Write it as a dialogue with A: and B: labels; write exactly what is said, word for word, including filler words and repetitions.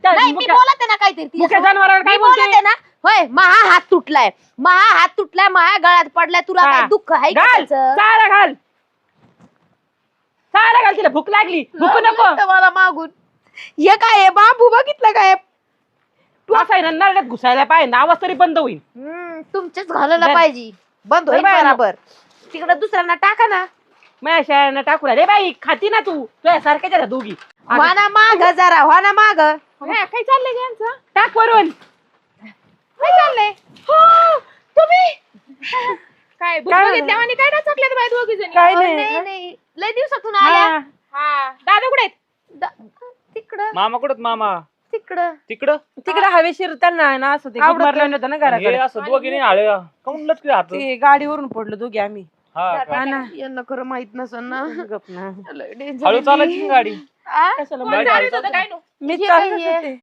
A: नाही मी बोलते ना काहीतरी
B: जनावराला काय
A: बोलते ना. होय महा हात तुटलाय महा हात तुटलाय महा गळ्यात पडलाय तुला काय दुःख आहे का
B: घाल
A: त्याचं?
B: चारा घाल चारा घाल तिला भूक लागली भूक नको
A: मला मागून हे काय बाबू बघितलं काय
B: तू असं आहे ना नरड्यात घुसायला पाहिजे आवाज तरी बंद होईल.
A: तुमच्याच घालायला
B: धर.
A: पाहिजे बंद होईल
B: धर बाई.
A: बरोबर तिकडे दुसऱ्यांना टाका ना.
B: माझ्या शाळेनं टाकू रे बाई खाती ना तू तुझ्या सारख्याच्या दोघी
A: वाना माग जरा वाना माग
C: काय चाललंय यांचं
B: टाक वरून
C: काय चाललंय
B: हो,
C: तुम्ही काय बघितल्या आणि काय टाकल्यात बाई दोघी जणी
B: काय
A: नाही
B: नाही
A: नाही लय दिवसातून आल्या
B: हा.
C: हा दादा कुठे आहेत
A: द- तिकडं
D: मामा कुठं मामा
A: तिकडं
D: तिकडं
B: तिकडे हवेशीर त्यांना आहे ना असं ते
A: आवडतं.
B: मारलं होतं ना
D: हे
B: घराकडे
D: असं दोघी नाही आळे काऊन लटके हात
B: ते गाडीवरून पडलो दोघी आम्ही
D: हा का?
B: हा ना
A: यांना खरं माहित नसन ना
B: गप ना
A: लय danger
D: हळू
A: आहे.
D: चालायची ना गाडी
A: आ?
B: कशाला
C: कोण
B: माहिती?
C: चालवत होतं काय नो
B: मी
A: हे
B: चालत
A: काय आहे?
B: होते